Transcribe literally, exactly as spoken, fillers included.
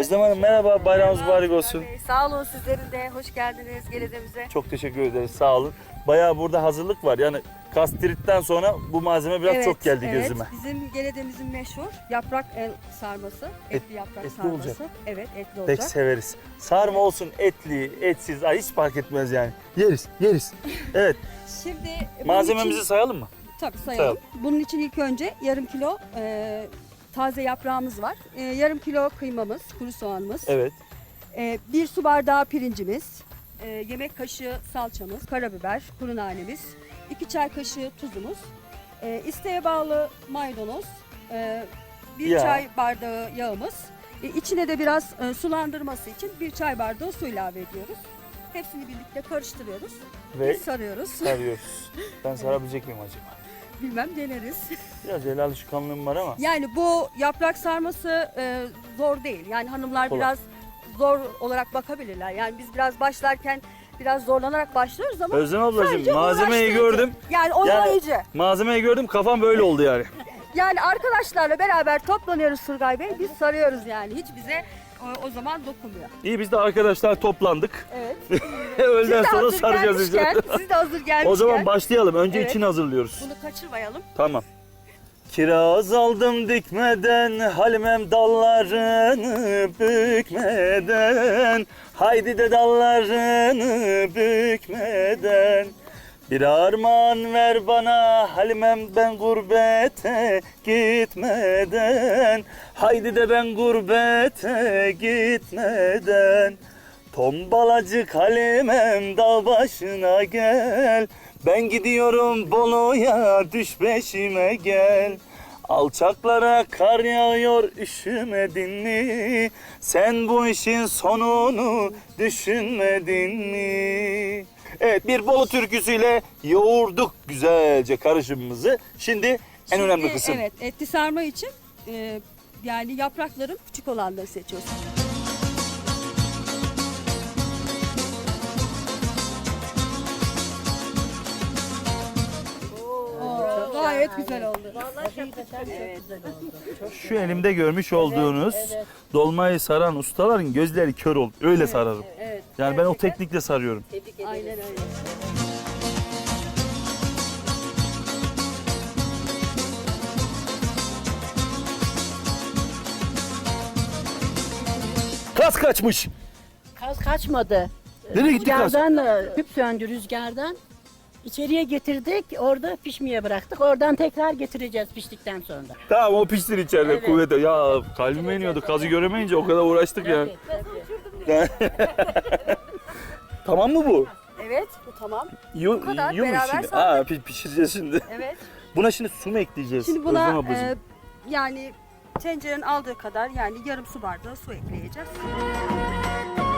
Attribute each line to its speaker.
Speaker 1: Özlem Hanım merhaba, bayramınız mübarek olsun.
Speaker 2: Bey, sağ olun, sizlerin de hoş geldiniz Gelede'mize.
Speaker 1: Çok teşekkür ederiz, sağ olun. Bayağı burada hazırlık var. Yani kastritten sonra bu malzeme biraz
Speaker 2: Evet,
Speaker 1: çok geldi
Speaker 2: evet.
Speaker 1: gözüme.
Speaker 2: Bizim Gelede'mizin meşhur yaprak el sarması, etli yaprak
Speaker 1: etli
Speaker 2: sarması.
Speaker 1: olacak.
Speaker 2: Evet, etli
Speaker 1: Pek
Speaker 2: olacak.
Speaker 1: severiz. Sarma olsun, etli, etsiz, ay hiç fark etmez yani. Yeriz, yeriz. Evet,
Speaker 2: Şimdi bunun
Speaker 1: malzememizi
Speaker 2: için,
Speaker 1: sayalım mı?
Speaker 2: tabii sayalım.
Speaker 1: sayalım.
Speaker 2: Bunun için ilk önce yarım kilo e, taze yaprağımız var. E, yarım kilo kıymamız, kuru soğanımız.
Speaker 1: Evet.
Speaker 2: E, bir su bardağı pirincimiz. e, yemek kaşığı salçamız, karabiber, kuru nanemiz. iki çay kaşığı tuzumuz. E, isteğe bağlı maydanoz. e, bir
Speaker 1: Yağ.
Speaker 2: çay bardağı yağımız. E, içine de biraz e, sulandırması için bir çay bardağı su ilave ediyoruz. Hepsini birlikte karıştırıyoruz.
Speaker 1: Ve
Speaker 2: Ve sarıyoruz.
Speaker 1: sarıyoruz. Ben sarabilecek miyim acaba?
Speaker 2: Bilmem, deneriz.
Speaker 1: Biraz el alışkanlığım var ama.
Speaker 2: Yani bu yaprak sarması e, zor değil. Yani hanımlar
Speaker 1: Kolay.
Speaker 2: biraz zor olarak bakabilirler. Yani biz biraz başlarken biraz zorlanarak başlıyoruz ama
Speaker 1: Özlem ablacığım
Speaker 2: sadece
Speaker 1: malzemeyi
Speaker 2: uğraştırıcı.
Speaker 1: gördüm.
Speaker 2: Yani oyalayıcı. Yani,
Speaker 1: Malzemeyi gördüm, kafam böyle oldu yani.
Speaker 2: arkadaşlarla beraber toplanıyoruz Turgay Bey. Biz sarıyoruz yani. Hiç bize o, o zaman dokunmuyor.
Speaker 1: İyi, biz de arkadaşlar toplandık.
Speaker 2: Evet.
Speaker 1: Öğleden
Speaker 2: Siz de
Speaker 1: sonra
Speaker 2: hazır
Speaker 1: saracağız işte.
Speaker 2: gelmişken, siz de hazır gelmişken
Speaker 1: O zaman başlayalım. Önce
Speaker 2: Evet.
Speaker 1: içini hazırlıyoruz.
Speaker 2: bunu kaçırmayalım.
Speaker 1: Tamam. Kiraz aldım dikmeden, halimem dallarını bükmeden. Haydi de dallarını bükmeden. Bir armağan ver bana, halimem ben gurbete gitmeden. Haydi de ben gurbete gitmeden. Tombalacık halimem dağ başına gel. Ben gidiyorum Bolu'ya, düş peşime gel. Alçaklara kar yağıyor, üşümedin mi? Sen bu işin sonunu düşünmedin mi? Evet, bir Bolu türküsüyle yoğurduk güzelce karışımımızı. Şimdi en önemli
Speaker 2: Şimdi,
Speaker 1: kısım.
Speaker 2: Evet, etli sarma için e, yani yaprakların küçük olanları seçiyoruz. Oo, gayet güzel oldu.
Speaker 1: Şu elimde görmüş olduğunuz dolmayı saran ustaların gözleri kör oldu. Öyle sararım.
Speaker 2: Evet.
Speaker 1: Yani ben o teknikle sarıyorum.
Speaker 2: Aynen öyle.
Speaker 1: Kas kaçmış.
Speaker 3: Kaz kaçmadı.
Speaker 1: Nereye gitti kas?
Speaker 3: Rüzgardan, e, tüp söndü rüzgardan. İçeriye getirdik, orada pişmeye bıraktık. Oradan tekrar getireceğiz piştikten sonra.
Speaker 1: Tamam, o pişsin içeride
Speaker 3: Evet.
Speaker 1: kuvvete. Ya kalbime iniyordu, kazı göremeyince o kadar uğraştık ya. Tamam mı bu?
Speaker 2: Evet, bu tamam.
Speaker 1: Yiyor,
Speaker 2: Bu kadar,
Speaker 1: yiyor mu
Speaker 2: beraber
Speaker 1: şimdi?
Speaker 2: sardık.
Speaker 1: Aa, pi- pişireceğiz şimdi.
Speaker 2: Evet.
Speaker 1: Buna şimdi su mu ekleyeceğiz?
Speaker 2: Şimdi
Speaker 1: Özlem
Speaker 2: buna
Speaker 1: ablacığım?
Speaker 2: e, yani tencerenin aldığı kadar yani yarım su bardağı su ekleyeceğiz.